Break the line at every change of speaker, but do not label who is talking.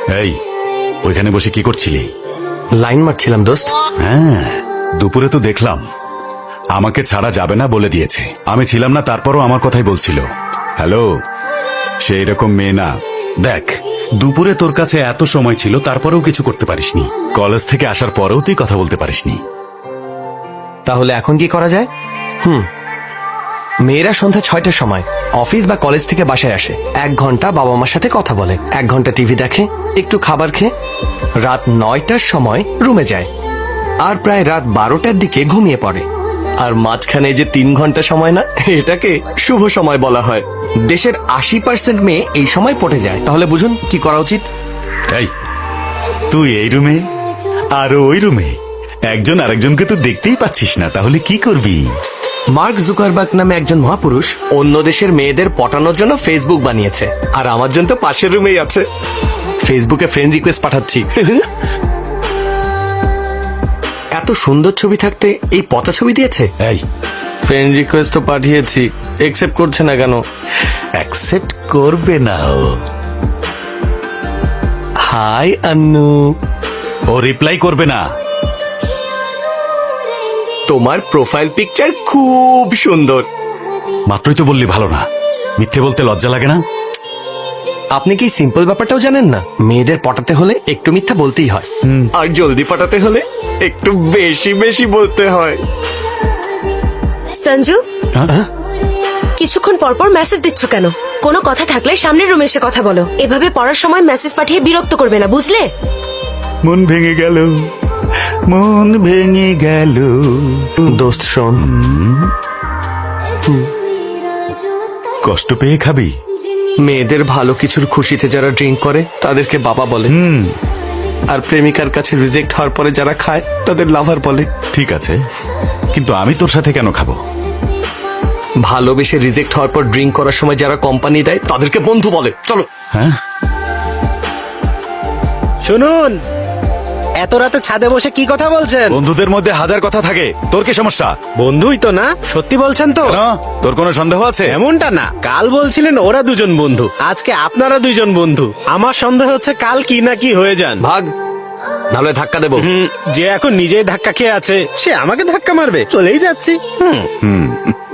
এই, ওইখানে বসে কি করছিলি?
লাইন মারছিলাম দোস্ত।
হ্যাঁ, দুপুরে তো দেখলাম আমাকে ছাড়া যাবে না বলে দিয়েছে। আমি ছিলাম না, তারপরও আমার কথাই বলছিল। হ্যালো, সে এরকম মেয়ে না। দেখ, দুপুরে তোর কাছে এত সময় ছিল, তারপরেও কিছু করতে পারিসনি। কলেজ থেকে আসার পরেও তুই কথা বলতে পারিসনি।
তাহলে এখন কি করা যায়? মেয়েরা সন্ধ্যা 6টার সময় অফিস বা কলেজ থেকে বাসায় আসে, 1 ঘন্টা বাবা মার সাথে কথা বলে, 1 ঘন্টা টিভি দেখে, একটু খাবার খেয়ে রাত 9টার সময় রুমে যায়, আর প্রায় রাত 12টার দিকে ঘুমিয়ে পড়ে। আর মাঝখানে যে 3 ঘন্টা সময় না, এটাকে শুভ সময় বলা হয়। দেশের 80% মেয়ে এই সময় পটে যায়। তাহলে বুঝুন কি করা উচিত।
এই, তুই এই রুমে আর ওই রুমে, একজন আরেকজনকে তো দেখতেই পাচ্ছিস না, তাহলে কি করবি?
মার্ক জুকারবার্গ নামে একজন মহাপুরুষ অন্য দেশের মেয়েদের পটানোর জন্য ফেসবুক বানিয়েছে, আর আমার জন্য তো পাশের রুমেই আছে। ফেসবুকে ফ্রেন্ড রিকোয়েস্ট পাঠাচ্ছি। এত সুন্দর ছবি থাকতে এই পচা ছবি দিয়েছে।
এই,
ফ্রেন্ড রিকোয়েস্ট তো পাঠিয়েছি, একসেপ্ট করছে না কেন?
অ্যাকসেপ্ট করবে না ও।
হাই আন্নু।
ও রিপ্লাই করবে না।
তোমার প্রোফাইল পিকচার খুব সুন্দর।
মাত্রই তো বললি ভালো না। মিথ্যে বলতে লজ্জা লাগে না?
আপনি কি সিম্পল ব্যাপারটাও জানেন না? মেয়েদের পটাতে হলে একটু মিথ্যা বলতেই হয়, আর জলদি পটাতে হলে একটু বেশি বেশি বলতে হয়।
সঞ্জু,
হ্যাঁ?
কিছুক্ষণ পর পর মেসেজ দিচ্ছ কেন? কোনো কথা থাকলে সামনের রুমে এসে কথা বলো। এভাবে পড়ার সময় মেসেজ পাঠিয়ে বিরক্ত করবে না, বুঝলে?
মন ভেঙে গেল, মন ভেঙে গেল।
দোস্ত শোন,
কষ্ট পেয়ে খাবি?
মেয়েদের ভালো কিছুর খুশিতে যারা ড্রিঙ্ক করে তাদেরকে বাবা বলে, আর প্রেমিকার কাছে রিজেক্ট হওয়ার পরে যারা খায় তাদের লাভার বলে।
ঠিক আছে, কিন্তু আমি তোর সাথে কেন খাবো?
ভালোবেসে রিজেক্ট হওয়ার পর ড্রিঙ্ক করার সময় যারা কোম্পানি দেয় তাদেরকে বন্ধু বলে। চলো।
হ্যাঁ,
শুনুন, এত রাতে ছাদে বসে কি কথা বলছেন?
বন্ধুদের মধ্যে হাজার কথা থাকে, তোর কি সমস্যা?
বন্ধুই তো না, সত্যি বলছেন তো?
কেন? তোর কোনো সন্দেহ আছে?
এমনটা না, কাল বলছিলেন ওরা দুজন বন্ধু, আজকে আপনারা দুজন বন্ধু। আমার সন্দেহ হচ্ছে কাল কি না কি হয়ে যান।
ভাগ, নাহলে ধাক্কা দেবো।
যে এখন নিজেই ধাক্কা খেয়ে আছে, সে আমাকে ধাক্কা মারবে? চলেই যাচ্ছি।